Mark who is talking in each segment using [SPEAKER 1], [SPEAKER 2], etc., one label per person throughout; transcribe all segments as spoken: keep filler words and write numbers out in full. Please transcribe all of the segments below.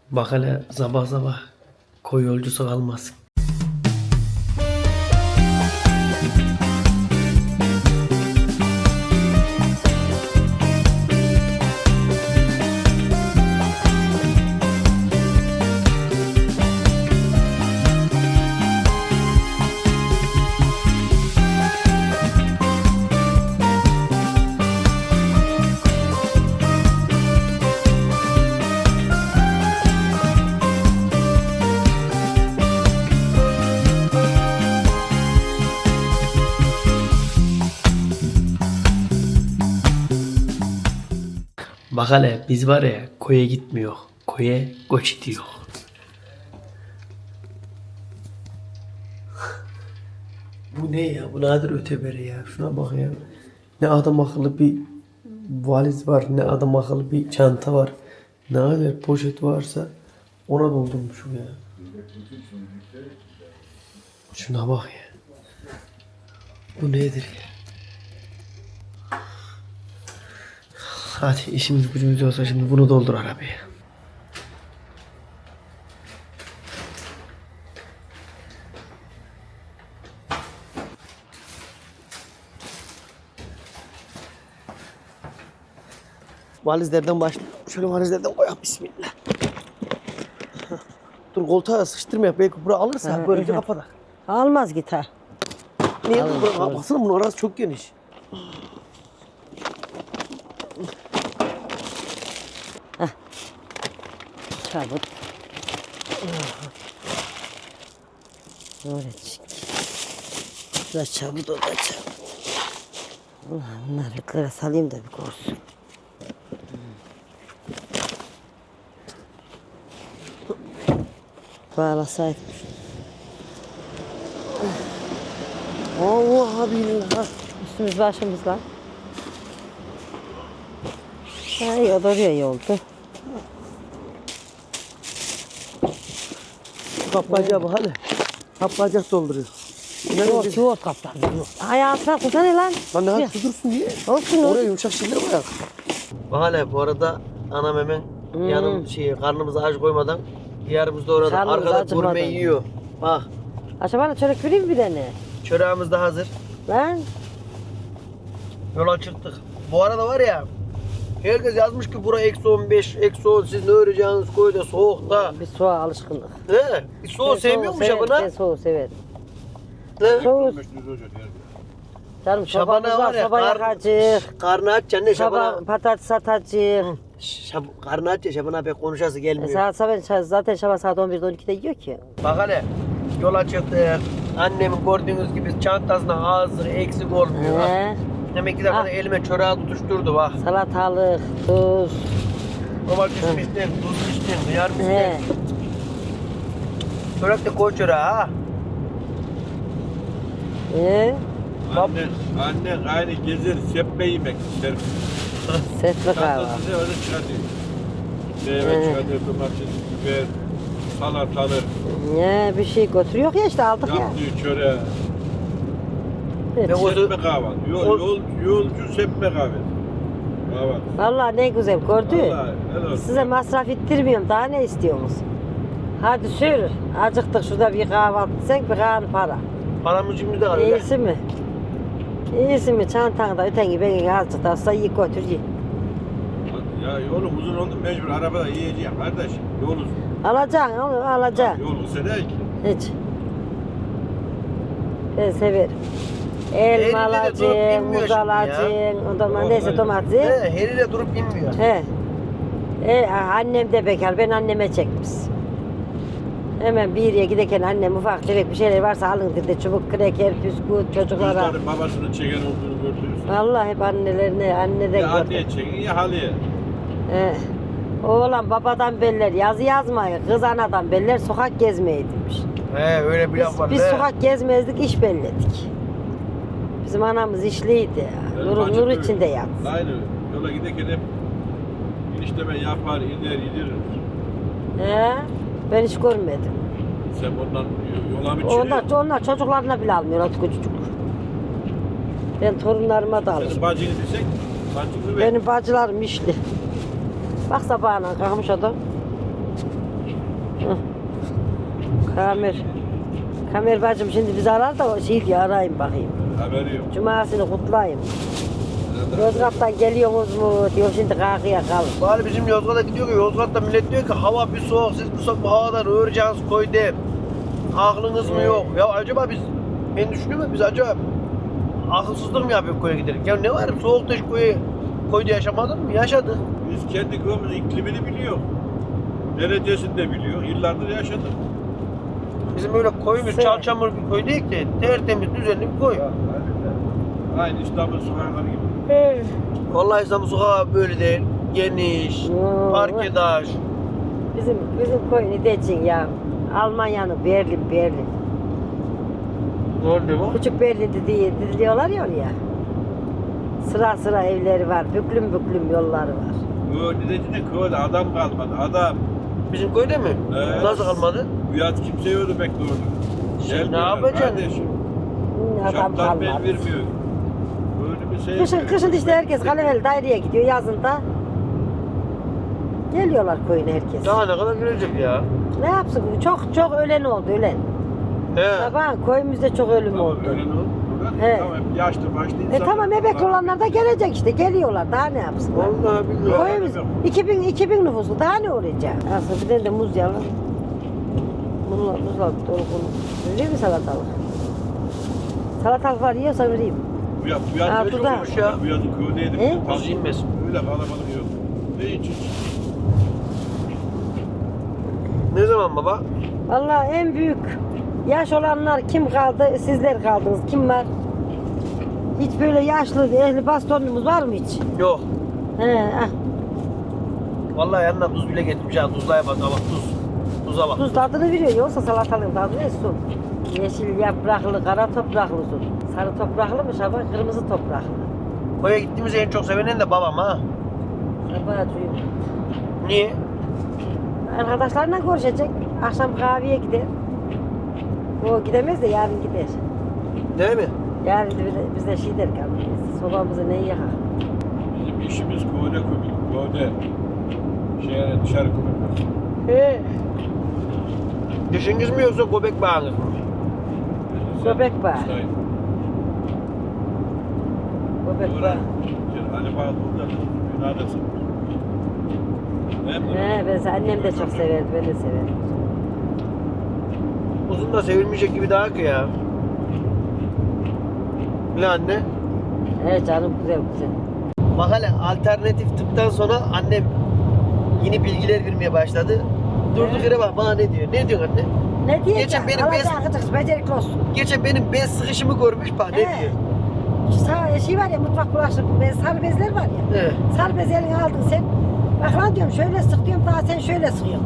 [SPEAKER 1] Bak hele sabah sabah koy yolcusu kalmasın. Bak hele biz var ya koya gitmiyor. Koya göç ediyor. Bu ne ya? Bu nadir öteberi ya. Şuna bak ya. Ne adam akıllı bir valiz var. Ne adam akıllı bir çanta var. Ne kadar poşet varsa ona doldurmuşum ya. Şuna bak ya. Bu nedir ya? Hadi işimiz gücümüz olsa şimdi bunu doldur arabaya. Valizlerden başla. Şöyle valizlerden koyalım bismillah. Dur koltuğa sıkıştırma belki buraya alırsa
[SPEAKER 2] Ha,
[SPEAKER 1] böylece
[SPEAKER 2] evet.
[SPEAKER 1] kapatak.
[SPEAKER 2] Almaz gitar.
[SPEAKER 1] Niye
[SPEAKER 2] Alır,
[SPEAKER 1] buraya
[SPEAKER 2] alır.
[SPEAKER 1] baksana bunun arası çok geniş.
[SPEAKER 2] Çabuk. Böyle çık. Bu da çabuk, o da çabuk. Ulan bunları yukarı salayım da bir korsun. Bağlasaydım.
[SPEAKER 1] Allah billah.
[SPEAKER 2] Üstümüz başımız lan. Ay o da oraya iyi oldu.
[SPEAKER 1] Kaplacağı bak hele. Kaplacak dolduruyor.
[SPEAKER 2] Yok yok kaptan yok. Hayatına tutsana lan.
[SPEAKER 1] Lan ne hadi dursun diye.
[SPEAKER 2] Olsun
[SPEAKER 1] Oraya yumuşak şeyler koyak. Bak hele bu arada anam hemen
[SPEAKER 2] Hmm.
[SPEAKER 1] yanım şey karnımıza aç koymadan yarımızda orada
[SPEAKER 2] Karnımız
[SPEAKER 1] arkada
[SPEAKER 2] acıkmadan.
[SPEAKER 1] gurme yiyor. Bak
[SPEAKER 2] Acaba çörek vereyim mi bir tane?
[SPEAKER 1] çöreğimiz de hazır.
[SPEAKER 2] Lan.
[SPEAKER 1] Yola çıktık. Bu arada var ya herkes yazmış ki bura eksi on beş, eksi on siz ne öreceğiniz koyda soğukta.
[SPEAKER 2] Bir soğuğa alışkınlık.
[SPEAKER 1] He? Soğuk sevmiyormuş
[SPEAKER 2] severim,
[SPEAKER 1] Şaban'a.
[SPEAKER 2] Ben soğuğu severim.
[SPEAKER 1] He?
[SPEAKER 2] Soğuk. Canım
[SPEAKER 1] Şaban'a
[SPEAKER 2] sobamız
[SPEAKER 1] var
[SPEAKER 2] var,
[SPEAKER 1] ya
[SPEAKER 2] soba
[SPEAKER 1] kar,
[SPEAKER 2] yakacak.
[SPEAKER 1] karnı aç canne
[SPEAKER 2] Şaba
[SPEAKER 1] Şaban'a.
[SPEAKER 2] patates atacak.
[SPEAKER 1] Şab karnı aç ya Şaban'a pek konuşası
[SPEAKER 2] E,
[SPEAKER 1] gelmiyor.
[SPEAKER 2] saat sabah zaten şaba saat on birde on ikide yiyor ki.
[SPEAKER 1] Bak hele yola çıktık. Annemin gördüğünüz gibi çantasına ağzı eksik olmuyor.
[SPEAKER 2] He.
[SPEAKER 1] Demek ki de
[SPEAKER 2] Ah.
[SPEAKER 1] elime çöreği tutuşturdu bak.
[SPEAKER 2] Salatalık, tuz.
[SPEAKER 1] Domates mi isteyin, tuz mu isteyin, hıyar mı
[SPEAKER 2] He.
[SPEAKER 1] isteyin? Çörek de koy çöreğe ha.
[SPEAKER 2] He.
[SPEAKER 3] Anne, anne aynı gezer, seppe yemek ister.
[SPEAKER 2] Setli kahve.
[SPEAKER 3] Tatlısını öyle çıkartıyor. Meyve
[SPEAKER 2] He.
[SPEAKER 3] çıkartıyor, domates, biber, salatalık,
[SPEAKER 2] Ne bir şey götürüyor ya işte aldık ya.
[SPEAKER 3] yaptığı çöreği.
[SPEAKER 2] Evet.
[SPEAKER 1] Ne o-
[SPEAKER 3] Seppe kahvaltı. Yol,
[SPEAKER 1] o-
[SPEAKER 3] yol, yolcu seppe kahvesi. Kahvaltı.
[SPEAKER 2] Vallahi ne güzel gördü.
[SPEAKER 3] Vallahi helal olsun.
[SPEAKER 2] Size masraf ettirmiyorum daha ne istiyorsunuz? Hadi sür. Acıktık şurada bir kahvaltı sen bir kahvaltı para.
[SPEAKER 1] Paramız cimride var öyle.
[SPEAKER 2] İyisi mi? İyisi mi? Çantanda öten gibi beni azıcık da olsa iyi götür ye.
[SPEAKER 3] Ya yolum uzun oldu mecbur arabada yiyeceğim kardeş. Yol uzun.
[SPEAKER 2] Alacaksın oğlum alacaksın.
[SPEAKER 3] Yol kısa değil ki.
[SPEAKER 2] Hiç. Ben severim.
[SPEAKER 1] Eliyle
[SPEAKER 2] Elma
[SPEAKER 1] de durup
[SPEAKER 2] alacaksın,
[SPEAKER 1] inmiyor
[SPEAKER 2] muz
[SPEAKER 1] şimdi ya.
[SPEAKER 2] alacaksın, o zaman
[SPEAKER 3] Yok,
[SPEAKER 2] neyse
[SPEAKER 3] hayır.
[SPEAKER 2] domates.
[SPEAKER 1] He, heriyle durup inmiyor.
[SPEAKER 2] He. E, annem de bekar, ben anneme çekmiş. Hemen bir yere giderken annem ufak tefek bir şeyler varsa alın dedi. Çubuk, kreker, püsküvit çocuklara.
[SPEAKER 3] Çocukların babasının çeken olduğunu gördünüz.
[SPEAKER 2] Vallahi hep annelerine, anneden
[SPEAKER 3] Ya
[SPEAKER 2] gördüm.
[SPEAKER 3] anneye çekin ya halıya.
[SPEAKER 2] He. Oğlan babadan beller, yazı yazmayı, kız anadan beller, sokak gezmeyi demiş.
[SPEAKER 1] He öyle bir
[SPEAKER 2] Biz,
[SPEAKER 1] laf var.
[SPEAKER 2] biz
[SPEAKER 1] he.
[SPEAKER 2] sokak gezmezdik, iş belledik. Bizim anamız işliydi.
[SPEAKER 3] Ben
[SPEAKER 2] Nur,
[SPEAKER 3] bacım
[SPEAKER 2] nur
[SPEAKER 3] böyle.
[SPEAKER 2] içinde yatsın.
[SPEAKER 3] Aynı yola giderken hep enişteme yapar, iner, gidirir.
[SPEAKER 2] He? Ben hiç görmedim.
[SPEAKER 3] Sen ondan yola mı çıkıyorsun?
[SPEAKER 2] Onlar, onlar çocuklarına bile almıyor artık küçücük. Ben torunlarıma da
[SPEAKER 3] Senin
[SPEAKER 2] alırım.
[SPEAKER 3] bacını desek, bacını ver.
[SPEAKER 2] Benim bacılarım işli. Bak sabahına kalkmış adam. Kamer. Kamer bacım şimdi bizi arar da o şey diye arayayım bakayım.
[SPEAKER 3] Haberi yok.
[SPEAKER 2] Cumasını kutlayayım. Yozgat'tan geliyorsunuz mu diyor şimdi kalkıya kalın.
[SPEAKER 1] Bari bizim Yozgat'a gidiyor ki Yozgat'ta millet diyor ki hava bir soğuk, siz bu, soğuk, bu havadan öğreneceğiniz koydu. Aklınız mı yok? Ya acaba biz, ben düşünüyorum ya biz acaba akılsızlık mı yapıyoruz koya giderek? Ya ne var soğukta hiç koyu, koyda yaşamadın mı? Yaşadık.
[SPEAKER 3] Biz kendi köyümüzün iklimini biliyor. Derecesini de biliyor. Yıllardır yaşadık.
[SPEAKER 1] Bizim öyle koyumuz
[SPEAKER 2] Sen-
[SPEAKER 1] çal çamur bir koy değil de tertemiz düzenli bir koy.
[SPEAKER 3] Aynı İstanbul sokakları gibi.
[SPEAKER 1] Vallahi İstanbul sokağı böyle değil. Geniş,
[SPEAKER 2] Yo,
[SPEAKER 1] park eder.
[SPEAKER 2] Bizim bizim koyun Decin ya. Almanya'nın Berlin Berlin.
[SPEAKER 1] Ne oldu bu?
[SPEAKER 2] Küçük Berlin'de diye diziliyorlar ya oraya. Sıra sıra evleri var. Büklüm büklüm yolları var.
[SPEAKER 3] Böyle dedeciğine köyde adam kalmadı. Adam.
[SPEAKER 1] Bizim köyde mi?
[SPEAKER 3] Evet.
[SPEAKER 1] Nasıl kalmadı?
[SPEAKER 3] Bu yaz kimse yürümek doğru.
[SPEAKER 1] Sen ne yapacaksın?
[SPEAKER 3] Kardeşim.
[SPEAKER 2] Hı, Adam
[SPEAKER 3] Şartlar bel
[SPEAKER 2] kalmadı.
[SPEAKER 3] vermiyor. Böyle bir şey
[SPEAKER 2] Kışın,
[SPEAKER 3] yapıyor.
[SPEAKER 2] kışın işte herkes Kaleveli daireye gidiyor yazında. Geliyorlar köyüne herkes.
[SPEAKER 1] Daha ne kadar görecek ya?
[SPEAKER 2] Ne yapsın? Çok çok ölen oldu ölen.
[SPEAKER 1] He.
[SPEAKER 2] Sabah köyümüzde çok ölüm
[SPEAKER 3] Tamam,
[SPEAKER 2] oldu.
[SPEAKER 3] öyle ne oldu?
[SPEAKER 2] He.
[SPEAKER 3] Tamam, yaşlı başlı
[SPEAKER 2] E
[SPEAKER 3] insan.
[SPEAKER 2] tamam emekli olanlar da gelecek işte geliyorlar daha ne yapsınlar?
[SPEAKER 1] Vallahi bilmiyorum.
[SPEAKER 2] Koyumuz iki bin iki bin nüfuslu daha ne olacak? Aslında bir tane de muz yalan. Muzla, muzla dolu konu. Vereyim mi salatalık? Salatalık var yiyorsa vereyim.
[SPEAKER 3] Bu yaz, bu yaz
[SPEAKER 2] Ha,
[SPEAKER 3] öyle
[SPEAKER 2] bu da.
[SPEAKER 3] olmuş ya. Bu yazın köydeydim.
[SPEAKER 2] He?
[SPEAKER 3] Tam
[SPEAKER 1] Buz inmez.
[SPEAKER 3] Öyle kalabalık yok. Ne için?
[SPEAKER 1] Ne zaman baba?
[SPEAKER 2] Vallahi en büyük yaş olanlar kim kaldı? Sizler kaldınız. Kim var? Hiç böyle yaşlı ehli bastonumuz var mı hiç?
[SPEAKER 1] Yok.
[SPEAKER 2] He, ah.
[SPEAKER 1] Vallahi yanına tuz bile getirmiş ha. Tuzlaya bak bak tuz. Tuza bak.
[SPEAKER 2] Tuz tadını veriyor. Yoksa salatalığın tadı ne su? Yeşil yapraklı, kara topraklı su. Sarı topraklı mı Şaban? Kırmızı topraklı.
[SPEAKER 1] Koya gittiğimizi en çok sevenen de babam ha.
[SPEAKER 2] Sabahcıyım.
[SPEAKER 1] Niye?
[SPEAKER 2] Arkadaşlarla görüşecek. Akşam kahveye gider. O gidemez de yarın gider.
[SPEAKER 1] Değil mi?
[SPEAKER 2] Yarın da bize, bize şey der kalmayız. Sobamızı ne yakar?
[SPEAKER 3] Bizim işimiz köyde kömür. Köyde. Şehre dışarı kömür.
[SPEAKER 2] He.
[SPEAKER 1] Dişiniz mi yoksa göbek bağınız mı?
[SPEAKER 2] Göbek bağı. Göbek var.
[SPEAKER 3] Ali Bağlı burada binadasın.
[SPEAKER 2] He, ben annem de çok severdi, ben de severim.
[SPEAKER 1] Uzun da sevilmeyecek gibi daha ki ya. Ne anne?
[SPEAKER 2] He canım güzel güzel.
[SPEAKER 1] Bak hele alternatif tıptan sonra annem yeni bilgiler vermeye başladı. Durduk yere bak bana ne diyor? Ne diyorsun anne?
[SPEAKER 2] Ne diyeceğim?
[SPEAKER 1] Geçen benim
[SPEAKER 2] Alacak
[SPEAKER 1] bez-
[SPEAKER 2] kıtık, becerikli olsun.
[SPEAKER 1] Geçen benim bez sıkışımı görmüş bak ne
[SPEAKER 2] He.
[SPEAKER 1] diyor?
[SPEAKER 2] Sağ, şey var ya mutfak bulaşık bez, sarı bezler var ya.
[SPEAKER 1] He.
[SPEAKER 2] Sarı bez eline aldın sen. Bak lan diyorum şöyle sık diyorum daha sen şöyle sıkıyorsun.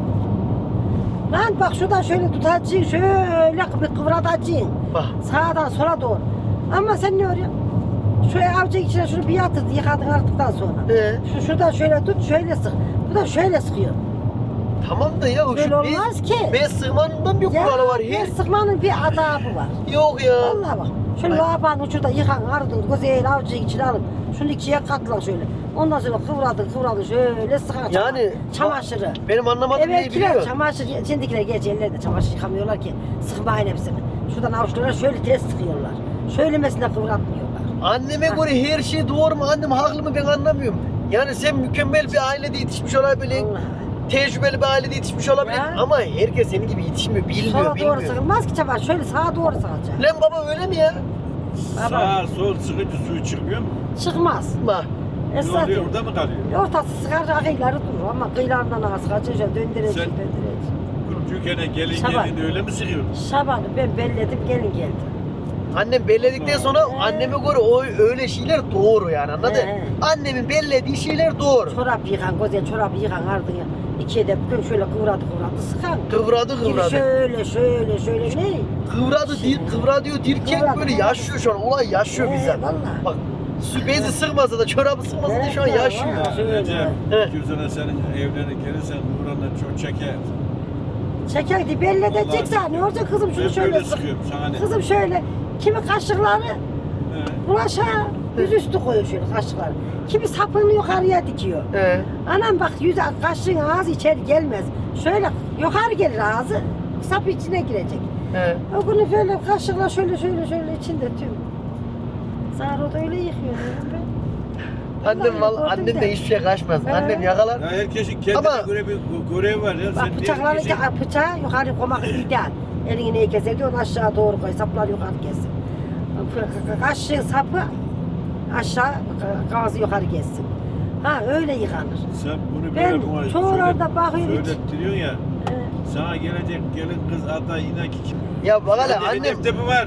[SPEAKER 2] Lan bak şuradan şöyle tutacaksın, şöyle bir kıvratacaksın.
[SPEAKER 1] Bak.
[SPEAKER 2] Sağdan sola doğru. Ama sen ne örüyorsun? Şöyle avucun içine şunu bir yatır yıkadın arttıktan sonra.
[SPEAKER 1] He.
[SPEAKER 2] Şu şuradan şöyle tut şöyle sık. Bu da şöyle sıkıyor.
[SPEAKER 1] Tamam da ya
[SPEAKER 2] Böyle
[SPEAKER 1] şu
[SPEAKER 2] olmaz
[SPEAKER 1] bez,
[SPEAKER 2] ki.
[SPEAKER 1] bez sığmanından bir kuralı var
[SPEAKER 2] Ya
[SPEAKER 1] ya.
[SPEAKER 2] sıkmanın bir adabı var.
[SPEAKER 1] Yok ya.
[SPEAKER 2] Vallahi bak. Şöyle
[SPEAKER 1] Ay.
[SPEAKER 2] labanın ucunda yıkan ardın güzel avucun içine alın. Şunu ikiye katla şöyle. Ondan sonra kıvradın kıvradın şöyle sıkan
[SPEAKER 1] Yani
[SPEAKER 2] çamaşırı.
[SPEAKER 1] benim anlamadığım neyi
[SPEAKER 2] Evvelkiler
[SPEAKER 1] biliyor?
[SPEAKER 2] çamaşır, şimdikiler geç ellerde çamaşır yıkamıyorlar ki sıkmayın hepsini. Şuradan avuçlarına şöyle ters sıkıyorlar. Şöylemesine kıvratmıyorlar.
[SPEAKER 1] Anneme
[SPEAKER 2] Ha.
[SPEAKER 1] göre her şey doğru mu? Annem haklı mı ben anlamıyorum. Yani sen mükemmel bir ailede yetişmiş olabilirsin.
[SPEAKER 2] Vallahi.
[SPEAKER 1] Tecrübeli bir ailede yetişmiş olabilir.
[SPEAKER 2] Ya.
[SPEAKER 1] Ama herkes senin gibi yetişmiyor, bilmiyor,
[SPEAKER 2] Sola doğru
[SPEAKER 1] bilmiyor.
[SPEAKER 2] sıkılmaz ki çamaşır. Şöyle sağa doğru sıkacak.
[SPEAKER 1] Lan baba öyle mi ya?
[SPEAKER 3] Sağ sol sıkıcı suyu çıkmıyor mu?
[SPEAKER 2] Çıkmaz.
[SPEAKER 1] Bak.
[SPEAKER 3] Ne
[SPEAKER 2] Esas
[SPEAKER 3] oluyor orada mı kalıyor?
[SPEAKER 2] ortası sıkar kıyıları durur ama kıyılarından ağa sıkacak şöyle döndürecek
[SPEAKER 3] Sen-
[SPEAKER 2] döndürecek.
[SPEAKER 3] Türkiye'ne gelin
[SPEAKER 2] Şaban.
[SPEAKER 3] gelin öyle mi sıkıyorsun?
[SPEAKER 2] Şaban'ı ben belledim gelin geldi.
[SPEAKER 1] Annem belledikten sonra
[SPEAKER 2] He.
[SPEAKER 1] anneme göre o öyle şeyler doğru yani anladın?
[SPEAKER 2] He.
[SPEAKER 1] Annemin bellediği şeyler doğru.
[SPEAKER 2] Çorap yıkan, güzel çorap yıkan ardına. İkiye de bugün şöyle kıvradı kıvradı sıkan.
[SPEAKER 1] Kıvradı
[SPEAKER 2] Gibi
[SPEAKER 1] kıvradı.
[SPEAKER 2] şöyle şöyle şöyle ne?
[SPEAKER 1] Kıvradı dir, kıvra diyor dirken
[SPEAKER 2] Kıvradı,
[SPEAKER 1] böyle
[SPEAKER 2] kıvradı.
[SPEAKER 1] yaşıyor şu an. Olay yaşıyor
[SPEAKER 2] He,
[SPEAKER 1] bizden.
[SPEAKER 2] vallahi.
[SPEAKER 1] Bak su bezi sıkmasa da çorabı sıkmasa da şu an
[SPEAKER 2] He,
[SPEAKER 1] yaşıyor.
[SPEAKER 2] vallahi. Şöyle.
[SPEAKER 3] Recep,
[SPEAKER 1] He.
[SPEAKER 3] iki yüz sene senin evlerine gelirsen Nurhan'dan çok çeker.
[SPEAKER 2] Çekerdi belledecek
[SPEAKER 3] Vallahi
[SPEAKER 2] sen. Ne olacak kızım şunu
[SPEAKER 3] Ben
[SPEAKER 2] şöyle
[SPEAKER 3] böyle
[SPEAKER 2] sık.
[SPEAKER 3] sıkıyorum sana ne?
[SPEAKER 2] Kızım şöyle. Kimi kaşıkları
[SPEAKER 3] He.
[SPEAKER 2] bulaşa. Yüzüstü koyuyor şöyle kaşıklar. Kimi sapını yukarıya dikiyor.
[SPEAKER 1] He.
[SPEAKER 2] Anam bak yüz kaşığın ağzı içeri gelmez. Şöyle yukarı gelir ağzı. Sap içine girecek.
[SPEAKER 1] He.
[SPEAKER 2] O günü böyle kaşıkla şöyle şöyle şöyle içinde tüm. Zahra da öyle yıkıyor diyorum ben.
[SPEAKER 1] Annem
[SPEAKER 2] Vallahi
[SPEAKER 1] val annem
[SPEAKER 2] gördüm
[SPEAKER 1] de hiçbir şey kaçmaz.
[SPEAKER 2] He.
[SPEAKER 1] Annem yakalar.
[SPEAKER 3] Ya herkesin kendine
[SPEAKER 1] Ama-
[SPEAKER 3] göre bir görev var ya.
[SPEAKER 2] Bak
[SPEAKER 3] Sen
[SPEAKER 2] bıçakları
[SPEAKER 3] diğer kişi-
[SPEAKER 2] bıçağı yukarı koymak ideal. Elini neyi keser diyor, onu aşağı doğru koy. Saplar yukarı kessin. Kaşığın sapı aşağı, kavası yukarı kessin. Ha öyle yıkanır.
[SPEAKER 3] Sen bunu
[SPEAKER 2] Ben
[SPEAKER 3] böyle buna
[SPEAKER 2] çoğu
[SPEAKER 3] söylet-
[SPEAKER 2] orada bakıyorum hiç.
[SPEAKER 3] söylettiriyorsun ya.
[SPEAKER 2] Ee,
[SPEAKER 3] Sana gelecek gelin kız aday inan ki kim?
[SPEAKER 1] Ya bak hele
[SPEAKER 3] Hadi
[SPEAKER 1] annem.
[SPEAKER 3] hedefte mi var?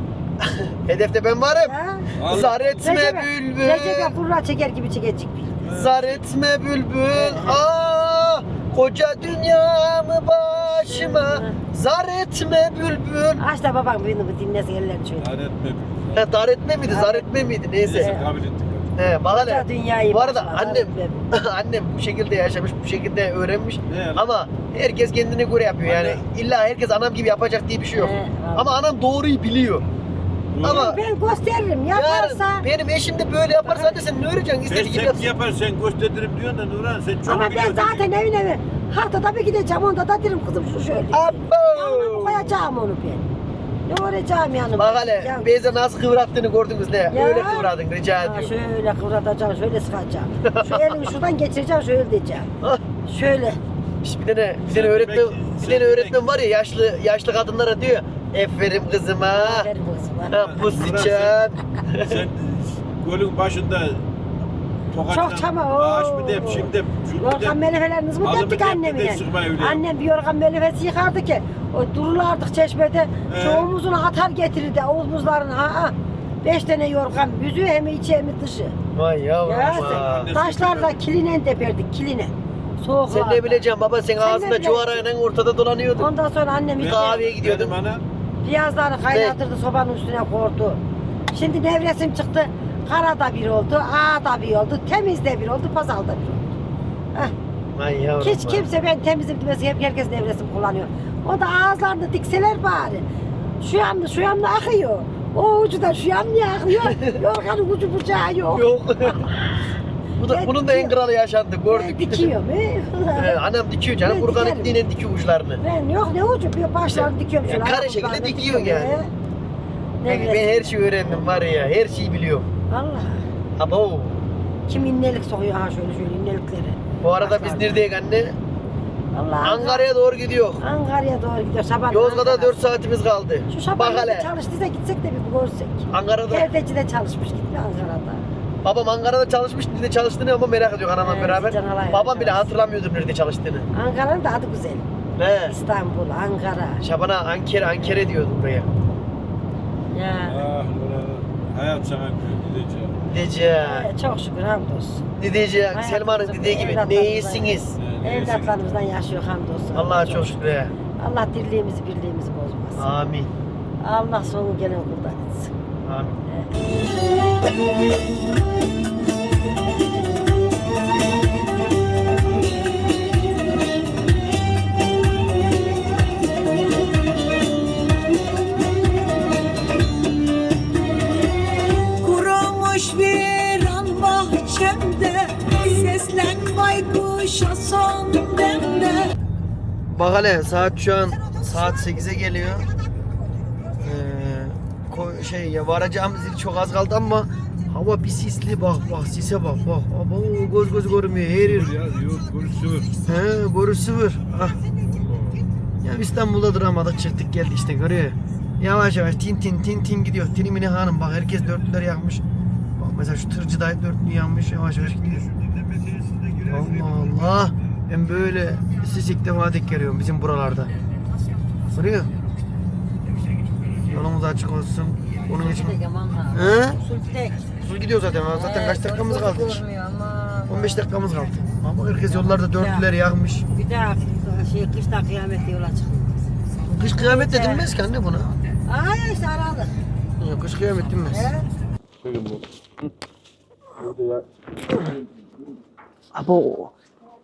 [SPEAKER 1] Hedefte ben varım.
[SPEAKER 2] ya.
[SPEAKER 3] Al.
[SPEAKER 1] Zar etme
[SPEAKER 2] Recep'e-
[SPEAKER 1] bülbül.
[SPEAKER 2] Recep'e kurra çeker gibi çekecek bir.
[SPEAKER 1] Zar etme bülbül. Aa, koca dünyamı başıma. Zar etme bülbül.
[SPEAKER 2] Aç da babam beni bu dinlesin ellerini şöyle.
[SPEAKER 3] Zar etme.
[SPEAKER 1] He, dar etme miydi? Zar etme miydi? Neyse.
[SPEAKER 3] Neyse kabul ettik.
[SPEAKER 1] He, bak hele.
[SPEAKER 2] Koca dünyayı
[SPEAKER 1] Bu arada
[SPEAKER 2] başıma,
[SPEAKER 1] annem
[SPEAKER 2] zar
[SPEAKER 1] annem bu şekilde yaşamış, bu şekilde öğrenmiş.
[SPEAKER 3] Ne?
[SPEAKER 1] Ama herkes kendine göre yapıyor yani. İlla herkes anam gibi yapacak diye bir şey yok.
[SPEAKER 2] He, vallahi.
[SPEAKER 1] Ama anam doğruyu biliyor.
[SPEAKER 3] Doğru.
[SPEAKER 1] Ama
[SPEAKER 2] Ben gösteririm yaparsa.
[SPEAKER 1] yarın benim eşim de böyle yaparsa hadi sen ne öğreneceksin?
[SPEAKER 3] Ben
[SPEAKER 1] İstediği gibi
[SPEAKER 3] sen
[SPEAKER 1] yapsın.
[SPEAKER 3] yapar sen gösteririm diyorsun da Nurhan sen çok
[SPEAKER 2] Ama ben
[SPEAKER 3] biliyorsun.
[SPEAKER 2] zaten evine evi haftada bir gideceğim onda da derim kızım şu şöyle. Yanına
[SPEAKER 1] Abo!
[SPEAKER 2] koyacağım onu ben. Ne uğrayacağım yanıma?
[SPEAKER 1] Bak hele
[SPEAKER 2] Ya-
[SPEAKER 1] Beyza nasıl kıvrattığını gördünüz ne?
[SPEAKER 2] Ya.
[SPEAKER 1] Öyle kıvradın rica
[SPEAKER 2] Ha,
[SPEAKER 1] ediyorum.
[SPEAKER 2] şöyle kıvratacağım, şöyle sıkacağım. Şu elimi şuradan geçireceğim, şöyle diyeceğim.
[SPEAKER 1] Ah,
[SPEAKER 2] Şöyle.
[SPEAKER 1] işte bir tane bir
[SPEAKER 3] Sen
[SPEAKER 1] tane öğretmen
[SPEAKER 3] demek-
[SPEAKER 1] bir
[SPEAKER 3] sen
[SPEAKER 1] tane
[SPEAKER 3] demek-
[SPEAKER 1] öğretmen var ya yaşlı yaşlı kadınlara diyor. Aferin kızıma.
[SPEAKER 2] Aferin kızıma.
[SPEAKER 1] Ha, bu
[SPEAKER 3] Nurhan,
[SPEAKER 1] sıçan.
[SPEAKER 3] sen, sen golün başında tokatla
[SPEAKER 2] Çok çama, oo.
[SPEAKER 3] ağaç mı dep şimdi dep şunu
[SPEAKER 2] Yorgan
[SPEAKER 3] dep.
[SPEAKER 2] melefelerinizi mi
[SPEAKER 3] Ağzımı
[SPEAKER 2] deptik
[SPEAKER 3] dep,
[SPEAKER 2] annemine?
[SPEAKER 3] dep, sıkma öyle.
[SPEAKER 2] Annem bir yorgan melefesi yıkardı ki o durulardık çeşmede şu
[SPEAKER 3] He.
[SPEAKER 2] omuzunu atar getirirdi omuzlarını ha ha. Beş tane yorgan yüzü hem içi hem dışı.
[SPEAKER 1] Vay yavrum.
[SPEAKER 2] Ya
[SPEAKER 1] ha.
[SPEAKER 2] sen taşlarla kilinen deperdik kiline. Soğuklarda.
[SPEAKER 1] Sen ne bileceksin baba sen,
[SPEAKER 2] Sen ne
[SPEAKER 1] ağzında
[SPEAKER 2] bileceksin?
[SPEAKER 1] cuvarayla ortada dolanıyordun.
[SPEAKER 2] Ondan sonra annem
[SPEAKER 3] Ben-
[SPEAKER 2] bir
[SPEAKER 1] Kahveye gidiyordum.
[SPEAKER 3] Benim ana
[SPEAKER 2] piyazları kaynatırdı sobanın üstüne koydu. Şimdi nevresim çıktı. Karada bir oldu, ağda bir oldu, temizde bir oldu, pazalda bir oldu. Heh.
[SPEAKER 1] Vay yavrum.
[SPEAKER 2] Hiç
[SPEAKER 1] ha.
[SPEAKER 2] kimse ben temizim demesi hep herkes nevresim kullanıyor. O da ağızlarını dikseler bari. Şu yanlı şu yanlı akıyor. O ucu da şu yanlı akıyor. Yorganın ucu bucağı yok.
[SPEAKER 1] Yok. Bu da,
[SPEAKER 2] Ben
[SPEAKER 1] bunun da en
[SPEAKER 2] dikiyorum.
[SPEAKER 1] kralı yaşandı
[SPEAKER 2] Ben
[SPEAKER 1] gördük.
[SPEAKER 2] dikiyorum.
[SPEAKER 1] Ee, annem dikiyor canım.
[SPEAKER 2] Ben
[SPEAKER 1] Kurgan
[SPEAKER 2] dikerim.
[SPEAKER 1] ettiğiyle dikiyor uçlarını.
[SPEAKER 2] Ben yok ne ucu bir başlarını dikiyorum
[SPEAKER 1] Ya
[SPEAKER 2] şöyle.
[SPEAKER 1] kare
[SPEAKER 2] ayakkabılarını
[SPEAKER 1] şekilde
[SPEAKER 2] dikiyorum.
[SPEAKER 1] dikiyorsun yani.
[SPEAKER 2] He.
[SPEAKER 1] Ben, ben
[SPEAKER 2] Nevresim.
[SPEAKER 1] her şeyi öğrendim var ya. Her şeyi biliyorum.
[SPEAKER 2] Allah.
[SPEAKER 1] Abo.
[SPEAKER 2] Kim innelik sokuyor ha şöyle şöyle innelikleri.
[SPEAKER 1] Bu arada biz
[SPEAKER 2] Başlarda.
[SPEAKER 1] neredeyiz anne?
[SPEAKER 2] Allah.
[SPEAKER 1] Ankara'ya doğru gidiyor.
[SPEAKER 2] Ankara'ya doğru gidiyor. Şaban
[SPEAKER 1] Yozgat'a
[SPEAKER 2] Ankara.
[SPEAKER 1] dört saatimiz kaldı.
[SPEAKER 2] Şu
[SPEAKER 1] Bak
[SPEAKER 2] Şaban'da
[SPEAKER 1] hele.
[SPEAKER 2] çalıştıysa gitsek de bir görsek.
[SPEAKER 1] Ankara'da.
[SPEAKER 2] Perdeci de çalışmış gitti Ankara'da.
[SPEAKER 1] Babam Ankara'da çalışmış. Nerede çalıştığını ama merak ediyor anamla
[SPEAKER 2] Evet,
[SPEAKER 1] beraber.
[SPEAKER 2] Can Alay
[SPEAKER 1] Babam bile
[SPEAKER 2] çalıştı.
[SPEAKER 1] hatırlamıyordur nerede çalıştığını.
[SPEAKER 2] Ankara'nın da adı güzel.
[SPEAKER 1] He.
[SPEAKER 2] İstanbul, Ankara.
[SPEAKER 1] Şaban'a Ankara, Ankara diyordu buraya.
[SPEAKER 2] Ya.
[SPEAKER 3] ah Nurhan hayat sana gideceğim.
[SPEAKER 1] Diyeceğim.
[SPEAKER 2] Ee, çok şükür hamdolsun.
[SPEAKER 1] Diyeceğim.
[SPEAKER 2] Hayatımızı
[SPEAKER 1] Selman'ın dediği gibi.
[SPEAKER 2] evlatlarımıza-
[SPEAKER 1] Ne iyisiniz?
[SPEAKER 2] Evlatlarımızdan yaşıyor hamdolsun.
[SPEAKER 1] Allah'a çok şükür. he.
[SPEAKER 2] Allah dirliğimizi birliğimizi bozmasın.
[SPEAKER 1] Amin.
[SPEAKER 2] Allah sonu gelen kurban etsin.
[SPEAKER 1] Amin.
[SPEAKER 4] Kurumuş bir an bahçemde, seslen baykuşa son demde.
[SPEAKER 1] Bak hele saat şu an saat sekize geliyor. Ee, ko- şey ya varacağımız il çok az kaldı ama hava bir sisli bak bak sise bak bak. Abo göz göz görmüyor her yer.
[SPEAKER 3] Ya yok konuşuyor.
[SPEAKER 1] He boru sıfır. Ah. Ya İstanbul'da duramadık çıktık geldik işte görüyor. Yavaş yavaş tin tin tin tin gidiyor. Tinimini hanım bak herkes dörtlüler yakmış. Bak mesela şu tırcı dayı dörtlü yanmış yavaş yavaş gidiyor. Allah Allah. Ben böyle sis ilk defa denk geliyorum bizim buralarda. Görüyor. Yolumuz açık olsun. Onun için. He?
[SPEAKER 2] Sultek.
[SPEAKER 1] Usul gidiyor zaten. Zaten kaç dakikamız kaldı?
[SPEAKER 2] Görmüyor ama.
[SPEAKER 1] on beş dakikamız kaldı. Ama herkes yollarda dörtlüler yakmış.
[SPEAKER 2] Bir daha şey kışta kıyamet yola çıkıyor.
[SPEAKER 1] Kış kıyamet de denmez ki anne buna.
[SPEAKER 2] Ay işte aralık.
[SPEAKER 1] Yok kış kıyamet denmez.
[SPEAKER 2] He?
[SPEAKER 3] Bakın bu. Burada ya.
[SPEAKER 1] Abo.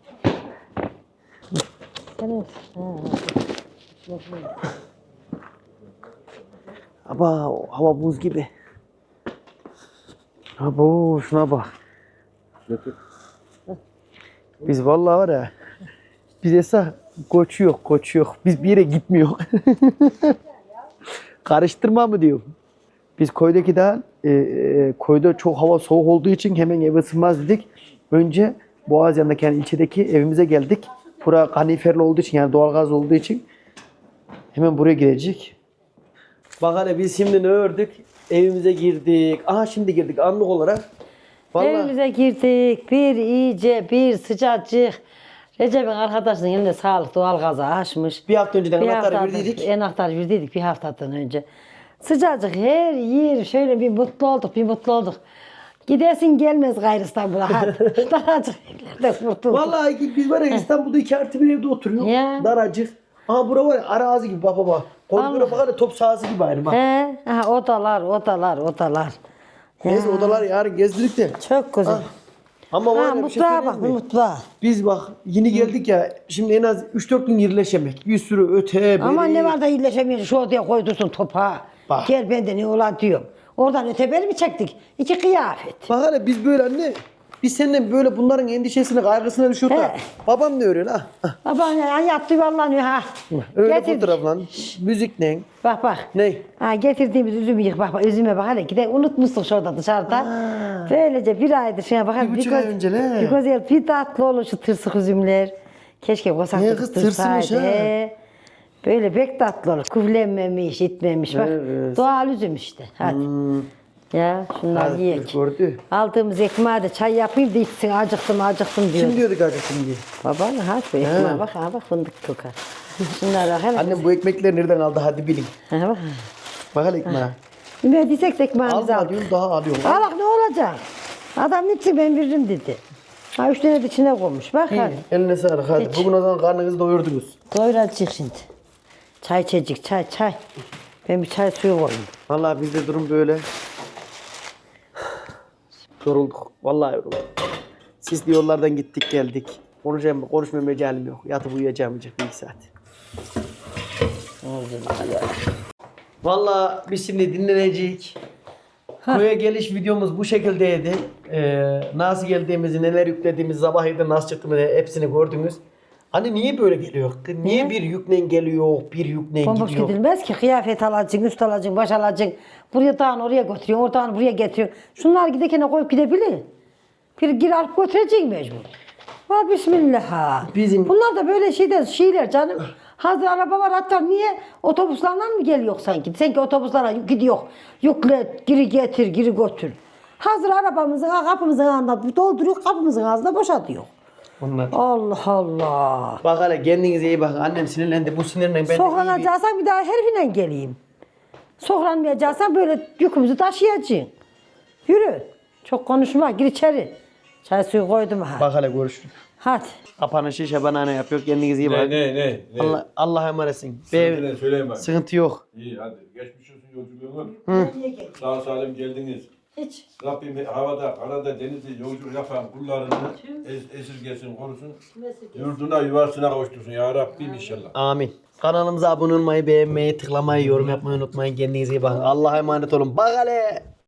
[SPEAKER 2] Evet.
[SPEAKER 1] Aba hava buz gibi. Abo şuna bak. Biz vallahi var ya. Biz esas koçu yok, koçu yok. Biz bir yere gitmiyor. Karıştırma mı diyor. Biz koydaki daha e, e, koyda çok hava soğuk olduğu için hemen eve ısınmaz dedik. Önce Boğaziyan'daki yani ilçedeki evimize geldik. Bura kaniferli olduğu için yani doğalgaz olduğu için hemen buraya girecek. Bak hele biz şimdi ne ördük? Evimize girdik. Aha şimdi girdik anlık olarak. Vallahi
[SPEAKER 2] Evimize girdik. Bir iyice bir sıcacık. Recep'in arkadaşının elinde sağlık doğalgazı açmış.
[SPEAKER 1] bir hafta önceden
[SPEAKER 2] Bir
[SPEAKER 1] anahtarı
[SPEAKER 2] haftadır-
[SPEAKER 1] verdiydik.
[SPEAKER 2] Anahtarı verdiydik bir haftadan önce. Sıcacık her yer şöyle bir mutlu olduk, bir mutlu olduk. Gidesin gelmez gayrı İstanbul'a. Hadi. Daracık evlerde kurtulduk.
[SPEAKER 1] Vallahi biz var ya İstanbul'da iki artı bir evde oturuyoruz.
[SPEAKER 2] Ya.
[SPEAKER 1] Daracık. Aha bura var ya arazi gibi bak baba. Koridora
[SPEAKER 2] Allah.
[SPEAKER 1] bak hele top sahası gibi aynı bak.
[SPEAKER 2] He, aha, odalar, odalar, odalar.
[SPEAKER 1] Neyse odalar yarın gezdirdik de.
[SPEAKER 2] Çok güzel.
[SPEAKER 1] Ah, Ama var
[SPEAKER 2] Ha,
[SPEAKER 1] ya bir şey
[SPEAKER 2] mutfağa
[SPEAKER 1] söyleyeyim
[SPEAKER 2] bak,
[SPEAKER 1] mi?
[SPEAKER 2] mutfağa.
[SPEAKER 1] Biz bak yeni geldik ya şimdi en az üç dört gün yerleşemek. Bir sürü öte beri.
[SPEAKER 2] Ama ne var da iyileşemiyor, şu odaya koydursun topa.
[SPEAKER 1] Bak.
[SPEAKER 2] Gel ben de ne olan diyorum. Oradan öteberi mi çektik? İki kıyafet.
[SPEAKER 1] Bak hele biz böyle anne. Biz seninle böyle bunların endişesine kaygısına düşüyor da.
[SPEAKER 2] He.
[SPEAKER 1] Babam ne örüyor ha? Ah,
[SPEAKER 2] Baba ya yattı yuvarlanıyor ha.
[SPEAKER 1] Öyle
[SPEAKER 2] Getirdik.
[SPEAKER 1] fotoğrafla. Müzikle.
[SPEAKER 2] Bak bak.
[SPEAKER 1] Ne?
[SPEAKER 2] Ha, getirdiğimiz üzümü yık bak bak üzüme bak hele gide unutmuştuk şurada dışarıda. Böylece bir aydır şuna bak.
[SPEAKER 1] Bir buçuk ay önce ne?
[SPEAKER 2] Bir güzel bir tatlı olur şu tırsık üzümler. Keşke
[SPEAKER 1] Ne
[SPEAKER 2] kosaklık
[SPEAKER 1] kız, tırsımış ha.
[SPEAKER 2] Böyle pek tatlı olur. Küflenmemiş, itmemiş. Bak
[SPEAKER 1] Evet.
[SPEAKER 2] doğal üzüm işte. Hadi.
[SPEAKER 1] Hmm.
[SPEAKER 2] Ya şunlar
[SPEAKER 1] Hadi,
[SPEAKER 2] yiyek.
[SPEAKER 1] gördü.
[SPEAKER 2] Aldığımız ekmeğe de çay yapayım da içsin. Acıktım acıktım diyor.
[SPEAKER 1] Kim diyorduk acıktım diye.
[SPEAKER 2] Baba ne ha bu ekmeğe bak ha bak fındık kokar. Şunlar bak hele.
[SPEAKER 1] Annem bu ekmekleri nereden aldı hadi bilin.
[SPEAKER 2] Ha bak.
[SPEAKER 1] Bak hele ekmeğe.
[SPEAKER 2] Ne diyecek de ekmeğimizi
[SPEAKER 1] Alma
[SPEAKER 2] al.
[SPEAKER 1] diyorum daha alıyorum.
[SPEAKER 2] Al bak ne olacak? Adam ne için ben veririm dedi. Ha üç tane de içine koymuş. Bak hadi.
[SPEAKER 1] Eline sağlık hadi.
[SPEAKER 2] Hiç.
[SPEAKER 1] Bugün o zaman karnınızı doyurdunuz.
[SPEAKER 2] Doyuracak şimdi. Çay içecek çay çay. Ben bir çay suyu koyayım.
[SPEAKER 1] Vallahi bizde durum böyle. Yorulduk. Vallahi yorulduk. Sisli yollardan gittik geldik. Konuşacağım, konuşmaya mecalim yok. Yatıp uyuyacağım bir iki saat. Vallahi biz şimdi dinleneceğiz. Köye geliş videomuz bu şekildeydi. Ee, nasıl geldiğimizi, neler yüklediğimizi, sabah evde nasıl çıktığımızı hepsini gördünüz. Hani niye böyle geliyor? Niye,
[SPEAKER 2] Niye?
[SPEAKER 1] bir yükle geliyor, bir yükle
[SPEAKER 2] Bomboş
[SPEAKER 1] gidiyor?
[SPEAKER 2] gidilmez ki. Kıyafet alacaksın, üst alacaksın, baş alacaksın. Buraya dağın oraya götürüyorsun, oradan buraya getiriyorsun. Şunlar giderken koyup gidebilir. Bir gir alıp götüreceksin mecbur. Var bismillah ha.
[SPEAKER 1] Bizim-
[SPEAKER 2] Bunlar da böyle şeyden şeyler canım. Hazır araba var hatta niye otobüslerle mı geliyor sanki? Sanki otobüslerle gidiyor. Yükle, giri getir, giri götür. Hazır arabamızın kapımızın ağzına dolduruyor, kapımızın ağzına boşaltıyor.
[SPEAKER 1] Onlar.
[SPEAKER 2] Allah Allah.
[SPEAKER 1] Bak hele kendinize iyi bakın. Annem sinirlendi. Bu sinirle ben de iyi bir...
[SPEAKER 2] Soklanacaksan bir daha herifiyle geleyim. Soklanmayacaksan böyle yükümüzü taşıyacaksın. Yürü. Çok konuşma. Gir içeri. Çay suyu koydum ha.
[SPEAKER 1] Bak hele görüşürüz.
[SPEAKER 2] Hadi.
[SPEAKER 1] Kapanışı şabanane yapıyor. Kendinize iyi
[SPEAKER 3] Ne
[SPEAKER 1] bakın.
[SPEAKER 3] ne ne? ne?
[SPEAKER 1] Allah, Allah'a emanetsin.
[SPEAKER 3] Söyle,
[SPEAKER 1] Be,
[SPEAKER 3] söyleyeyim bak.
[SPEAKER 1] sıkıntı yok.
[SPEAKER 3] İyi hadi. Geçmiş olsun yolculuğunuz. Sağ salim geldiniz.
[SPEAKER 2] Hiç.
[SPEAKER 3] Rabbim havada, karada, denizde yolculuk yapan kullarını es esirgesin, korusun. Yurduna, yuvasına kavuştursun ya Rabbim inşallah.
[SPEAKER 1] Amin. Kanalımıza abone olmayı, beğenmeyi, tıklamayı, yorum yapmayı unutmayın. Kendinize iyi bakın. Allah'a emanet olun. Bak hele.